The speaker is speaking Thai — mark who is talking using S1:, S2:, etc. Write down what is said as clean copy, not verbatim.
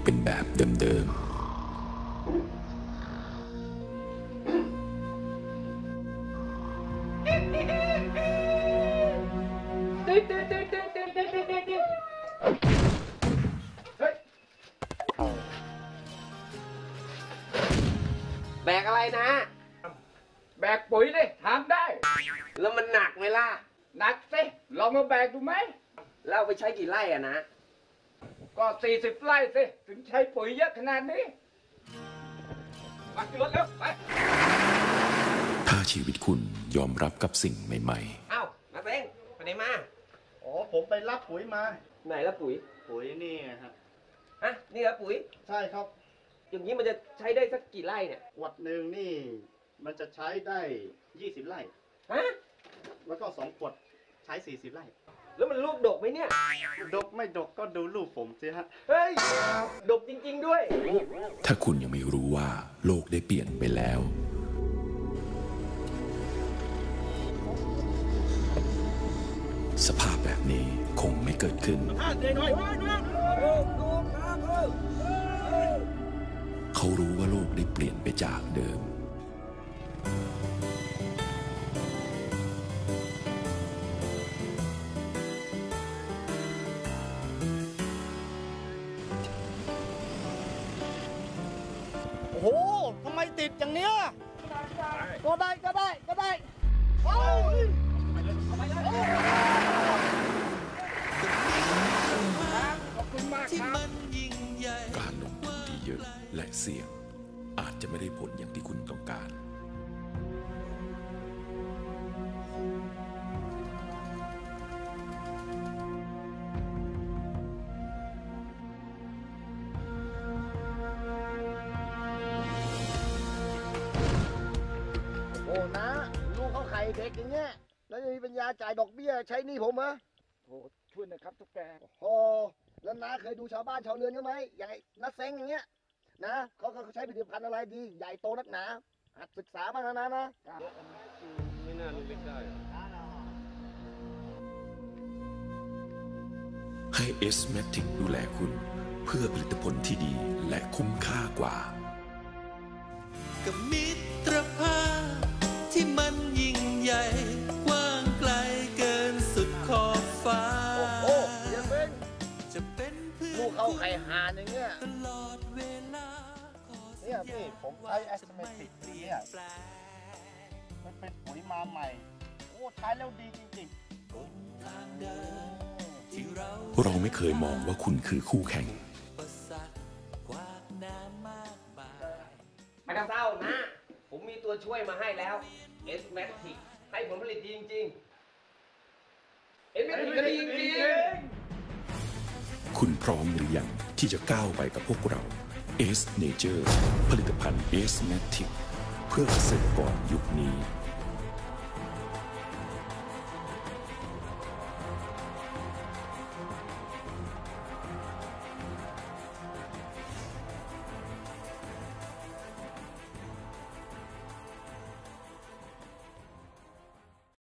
S1: เป็นแบบเดิม
S2: แบกอะไรนะ
S3: แบกปุ๋ยดิทำได้
S2: แล้วมันหนักไหมล่ะ
S3: หนักสิลองมาแบกดูไหม
S2: แล้วเอาไปใช้กี่ไร่อะนะ
S3: ก็40 ไร่สิถึงใช้ปุ๋ยเยอะขนาดนี้มาขึ้นรถเร็วไป
S1: ถ้าชีวิตคุณยอมรับกับสิ่งใหม่
S2: เอ้ามาเซ้งไปไหนมา
S4: อ๋อผมไปรับปุ๋ยมา
S2: ไหนละปุ๋ย
S4: นี่ฮะ
S2: นี่เหรอปุ๋ย
S4: ใช่ครับ
S2: อย่างนี้มันจะใช้ได้สักกี่ไร่เนี่ย
S4: ขวดหนึ่งนี่มันจะใช้ได้20 ไร่แล้วก็2 ขวดใช้40 ไร่
S2: แล้วมันลูกดกไหมเนี่ย
S4: ดกไม่ดกก็ดูรูปผมสิฮะ
S2: เฮ้ยดกจริงๆด้วย
S1: ถ้าคุณยังไม่รู้ว่าโลกได้เปลี่ยนไปแล้วสภาพแบบนี้คงไม่เกิดขึ้นเขารู้ว่าโลกได้เปลี่ยนไปจากเดิม
S4: โอ้โหทำไมติดอย่างเนี้ยก็ได้
S3: ขอบคุณมากครับ
S1: การลงทุนที่เยอะและเสี่ยงอาจจะไม่ได้ผลอย่างที่คุณต้องการ
S4: โอ้นะลูกเขาไข่เด็กอย่างเงี้ยแล้วจะมีปัญญาจ่ายดอกเบี้ยใช้หนี้ผมเหรอ
S3: โอ้ช่วยนะครับทุกแก
S4: โอ้แล้วน้าเคยดูชาวบ้านชาวเรือนเขาไหมอย่างไอ้น้าเซ้งอย่างเงี้ยนะเขาใช้ผลิตภัณฑ์อะไรดีใหญ่โตนักหนาหัดศึกษาบ้างนะ
S2: ไม่น่ารู้ได้
S1: ให้ S-Matic ดูแลคุณเพื่อผลิตผลที่ดีและคุ้มค่ากว่า
S5: กับมิตรภาพที่มันยิ่งใหญ่กว้างไกลเกินสุดขอบฟ้า
S4: โอ้เดี๋ยวเป็นจะเป็นเพื่อนลูกเขาไข่หานอย่างเงี้ยตลอดเวลาเนี่ยพี่ผมใช้ S-Matic เนี่ยมันเป็นปุ๋ยมาใหม่โอ้ใช้แล้วดีจริงๆ
S1: เราไม่เคยมองว่าคุณคือคู่แข่ง
S2: ไม่ต้องเศร้านะผมมีตัวช่วยมาให้แล้ว S-Matic ให้ผลผลิตดีจริงๆ S-Matic ก็ดีจริง
S1: ๆคุณพร้อมหรือยังที่จะก้าวไปกับพวกเรา S Nature ผลิตภัณฑ์ S-Matic เพื่อเกษตรกรยุคนี้